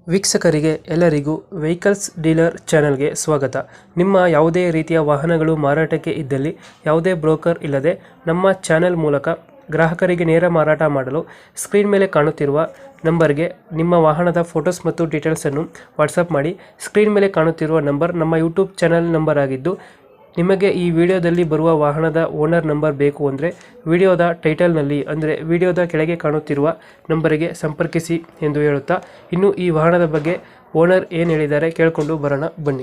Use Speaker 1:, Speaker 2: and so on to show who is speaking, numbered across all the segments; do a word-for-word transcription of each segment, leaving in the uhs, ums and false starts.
Speaker 1: ವೀಕ್ಷಕರಿಗೆ ಎಲ್ಲರಿಗೂ vehicles dealer ಚಾನೆಲ್ಗೆ ಸ್ವಾಗತ. ನಿಮ್ಮ ಯಾವುದೇ ರೀತಿಯ ವಾಹನಗಳು ಮಾರಾಟಕ್ಕೆ ಇದ್ದಲ್ಲಿ ಯಾವುದೇ ಬ್ರೋಕರ್ ಇಲ್ಲದೆ ನಮ್ಮ ಚಾನೆಲ್ ಮೂಲಕ ಗ್ರಾಹಕರಿಗೆ ನೇರ ಮಾರಾಟ ಮಾಡಲು ಸ್ಕ್ರೀನ್ ಮೇಲೆ ಕಾಣುತ್ತಿರುವ ನಂಬರ್ಗೆ ನಿಮ್ಮ ವಾಹನದ ಫೋಟೋಸ್ ಮತ್ತು ಡೀಟೇಲ್ಸನ್ನು ವಾಟ್ಸಪ್ ಮಾಡಿ. ಸ್ಕ್ರೀನ್ ಮೇಲೆ ಕಾಣುತ್ತಿರುವ ನಂಬರ್ ನಮ್ಮ ಯೂಟ್ಯೂಬ್ ಚಾನೆಲ್ ನಂಬರ್ ಆಗಿದ್ದು, ನಿಮಗೆ ಈ ವಿಡಿಯೋದಲ್ಲಿ ಬರುವ ವಾಹನದ ಓನರ್ ನಂಬರ್ ಬೇಕು ಅಂದರೆ ವಿಡಿಯೋದ ಟೈಟಲ್ನಲ್ಲಿ ಅಂದರೆ ವಿಡಿಯೋದ ಕೆಳಗೆ ಕಾಣುತ್ತಿರುವ ನಂಬರಿಗೆ ಸಂಪರ್ಕಿಸಿ ಎಂದು ಹೇಳುತ್ತಾ, ಇನ್ನು ಈ ವಾಹನದ ಬಗ್ಗೆ ಓನರ್ ಏನು ಹೇಳಿದ್ದಾರೆ ಕೇಳಿಕೊಂಡು ಬರೋಣ ಬನ್ನಿ.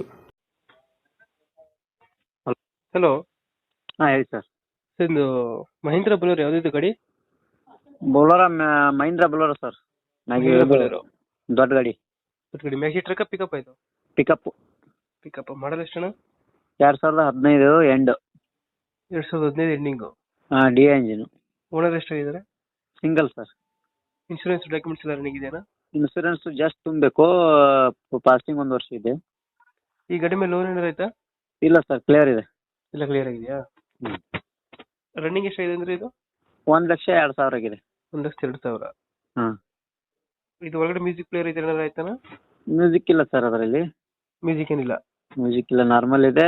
Speaker 1: ಹಲೋ,
Speaker 2: ಹಾಂ ಹೇಳಿ ಸರ್.
Speaker 1: ಇದು ಮಹೀಂದ್ರ ಬಲೂರ್ ಯಾವುದಿದ್ದು ಗಾಡಿ?
Speaker 2: Bolero Mahindra Bolero sir.
Speaker 1: Mahindra Bolero
Speaker 2: ದೊಡ್ಡ ಗಾಡಿ.
Speaker 1: ದೊಡ್ಡ ಗಾಡಿ ಮ್ಯಾಕ್ಸಿ ಟ್ರಕ್ ಪಿಕಪ್ ಆಯಿತು?
Speaker 2: ಪಿಕಪ್.
Speaker 1: ಪಿಕಪ್ ಮಾಡಲ್ ಎಷ್ಟಣ್ಣ?
Speaker 2: ಎರಡು ಸಾವಿರದ ಹದಿನೈದು ಎಂಡ್.
Speaker 1: ಎರಡು ಸಾವಿರದ ಹದಿನೈದು ಎಂಡಿಂಗು.
Speaker 2: ಹಾಂ, ಡಿ ಎಂಜಿನು.
Speaker 1: ಓನರ್ ಎಷ್ಟಾಗಿದ್ದಾರೆ?
Speaker 2: Single sir.
Speaker 1: ಇನ್ಶೂರೆನ್ಸ್ ಡಾಕ್ಯುಮೆಂಟ್ಸ್ ಎಲ್ಲ ರನ್ನಿಂಗ್ ಇದೆಯಾ?
Speaker 2: ಇನ್ಸೂರೆನ್ಸ್ ಜಸ್ಟ್ ತುಂಬಬೇಕು, ಪಾಸಿಂಗ್ ಒಂದು ವರ್ಷ ಇದೆ.
Speaker 1: ಈ ಗಾಡಿ ಮೇಲೆ ಲೋನ್ ಏನಾರು ಆಯ್ತಾ?
Speaker 2: ಇಲ್ಲ ಸರ್, ಕ್ಲಿಯರ್ ಇದೆ.
Speaker 1: ಎಲ್ಲ ಕ್ಲಿಯರ್ ಆಗಿದೆಯಾ?
Speaker 2: ಹ್ಞೂ.
Speaker 1: ರನ್ನಿಂಗ್ ಎಷ್ಟಾಗಿದೆ ಅಂದರೆ ಇದು?
Speaker 2: ಒಂದು ಲಕ್ಷ ಎರಡು ಸಾವಿರ ಆಗಿದೆ.
Speaker 1: ಒಂದು ಲಕ್ಷದ ಎರಡು ಸಾವಿರ.
Speaker 2: ಹಾಂ.
Speaker 1: ಇದು ಒಳಗಡೆ ಮ್ಯೂಸಿಕ್ ಪ್ಲೇಯರ್ ಇದೆ ಏನಾದ್ರು ಆಯ್ತಾನ?
Speaker 2: ಮ್ಯೂಸಿಕ್ ಇಲ್ಲ ಸರ್ ಅದರಲ್ಲಿ.
Speaker 1: ಮ್ಯೂಸಿಕ್ ಏನಿಲ್ಲ?
Speaker 2: ಮ್ಯೂಸಿಕ್ ಇಲ್ಲ, ನಾರ್ಮಲ್ ಇದೆ.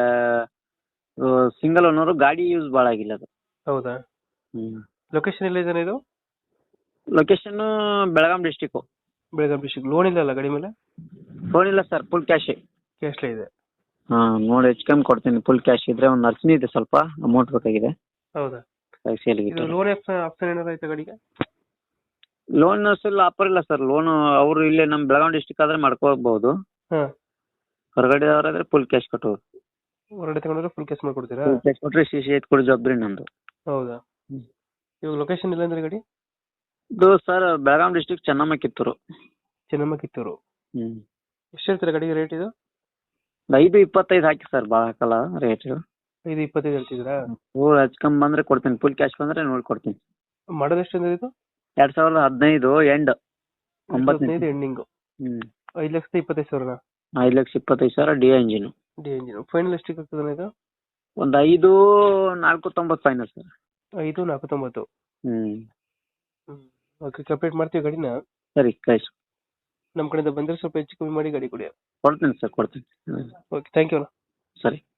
Speaker 2: ಸಿಂಗಲ್ ಓನರು, ಗಾಡಿ ಯೂಸ್ ಭಾಳ ಆಗಿಲ್ಲ ಅದು.
Speaker 1: ಹೌದಾ?
Speaker 2: ಹ್ಞೂ.
Speaker 1: ಲೊಕೇಶನ್ ಎಲ್ಲ ಇದಾನೆ ಇದು?
Speaker 2: Location Belgaum district.
Speaker 1: Belgaum district. Loan ಇಲ್ಲ ಅಲ್ಲ ಗಾಡಿ ಮೇಲೆ?
Speaker 2: ಫೋನ್ ಇಲ್ಲ ಸರ್, ಫುಲ್ ಕ್ಯಾಶೇ.
Speaker 1: ಕ್ಯಾಶ್ಲೇ ಇದೆ?
Speaker 2: ಹಾಂ, ನೋಡಿ ಹೆಚ್ಚು ಕಮ್ಮಿ ಕೊಡ್ತೀನಿ. ಫುಲ್ ಕ್ಯಾಶ್ ಇದ್ರೆ ಒಂದು ಅರ್ಚನೆ ಇದೆ, ಸ್ವಲ್ಪ ಅಮೌಂಟ್ ಬೇಕಾಗಿದೆ.
Speaker 1: ಹೌದಾ?
Speaker 2: ಸೇಲಿಗೆ
Speaker 1: ಇದು ಲೋನ್ ಆಪ್ಷನ್ ಆಪ್ಷನ್ ಏನಾರು ಆಯ್ತಾ ಗಾಡಿಗೆ?
Speaker 2: ಲೋನ್ ಅಸಲು ಆಫರ್ ಇಲ್ಲ ಸರ್. ಲೋನು ಅವರು ಇಲ್ಲೇ ನಮ್ಮ ಬೆಳಗಾವಿ ಡಿಸ್ಟಿಕ್ ಆದರೆ ಮಾಡ್ಕೋಬಹುದು.
Speaker 1: ಹಾಂ.
Speaker 2: ಹೊರಗಡೆ ಅವರಾದ್ರೆ ಫುಲ್ ಕ್ಯಾಶ್ ಕಟ್ಟೋದು.
Speaker 1: ಹೊರಗಡೆ ತಗೊಂಡ್ರೆ ಫುಲ್ ಕ್ಯಾಶ್ ಮಾಡ್ಕೊಡ್ತೀರಾ?
Speaker 2: ಫುಲ್ ಕ್ಯಾಶ್ ಕೊಟ್ಟರೆ ಸಿ ಸಿ ಎತ್ ಕೊಡೋ ಜವಾಬ್ದಾರಿ ನಂದು.
Speaker 1: ಹೌದಾ?
Speaker 2: ಹ್ಞೂ.
Speaker 1: ಇವಾಗ ಲೊಕೇಶನ್ ಇಲ್ಲ ಅಂದ್ರೆ ಗಾಡಿ?
Speaker 2: ಇದು ಸರ್ ಬೆಳಗಾಂ ಡಿಸ್ಟಿಕ್ ಚೆನ್ನಮ್ಮ ಕಿತ್ತೂರು.
Speaker 1: ಚೆನ್ನಮ್ಮ ಕಿತ್ತೂರು.
Speaker 2: ಹ್ಞೂ.
Speaker 1: ಎಷ್ಟು ಹೇಳ್ತೀರಾ ಗಾಡಿಗೆ ರೇಟ್ ಇದು?
Speaker 2: ಐದು ಇಪ್ಪತ್ತೈದು ಹಾಕಿ ಸರ್, ಭಾಳ ಹಾಕಲ್ಲ ರೇಟ್.
Speaker 1: ಐದು ಇಪ್ಪತ್ತೈದು ಹೇಳ್ತಿದ್ದೀರಾ?
Speaker 2: ಹ್ಞೂ, ಹೆಚ್ಚು ಕಮ್ಮಿ ಬಂದರೆ ಕೊಡ್ತೀನಿ. ಫುಲ್ ಕ್ಯಾಶ್ ಬಂದರೆ ನೋಡಿ ಕೊಡ್ತೀನಿ.
Speaker 1: ಮಾಡೋದು ಎಷ್ಟು ಅಂದ್ರೆ ಇದು?
Speaker 2: ಎರಡು ಸಾವಿರದ ಹದಿನೈದು ಎಂಡ್. ಒಂಬತ್ತು
Speaker 1: ಹದಿನೈದು ಎಂಡಿಂಗು.
Speaker 2: ಹ್ಞೂ.
Speaker 1: ಐದು ಲಕ್ಷದ ಇಪ್ಪತ್ತೈದು ಸಾವಿರ?
Speaker 2: ಐದು ಲಕ್ಷ ಇಪ್ಪತ್ತೈದು ಸಾವಿರ D engine.
Speaker 1: D engine. Final ಎಷ್ಟಕ್ಕೆ ಆಗ್ತದೆ ಇದು?
Speaker 2: ಒಂದು ಐದು ನಾಲ್ಕು ತೊಂಬತ್ತು ಫೈನಲ್ ಸರ್.
Speaker 1: ಐದು ನಾಲ್ಕು ತೊಂಬತ್ತು.
Speaker 2: ಹ್ಞೂ.
Speaker 1: ಹ್ಞೂ. ಓಕೆ, ಕಂಪ್ಲೀಟ್ ಮಾಡ್ತೀವಿ ಗಾಡಿನ.
Speaker 2: ಸರಿ, ಕಳಿಸಿ.
Speaker 1: ನಮ್ಮ ಕಡೆಯಿಂದ ಬಂದರೆ ಸ್ವಲ್ಪ ಹೆಚ್ಚು ಕಮ್ಮಿ ಮಾಡಿ ಗಾಡಿ ಕೊಡಿ.
Speaker 2: ಕೊಡ್ತೀನಿ ಸರ್, ಕೊಡ್ತೀನಿ.
Speaker 1: ಓಕೆ, ಥ್ಯಾಂಕ್ ಯು ಅಣ್ಣ.
Speaker 2: ಸರಿ.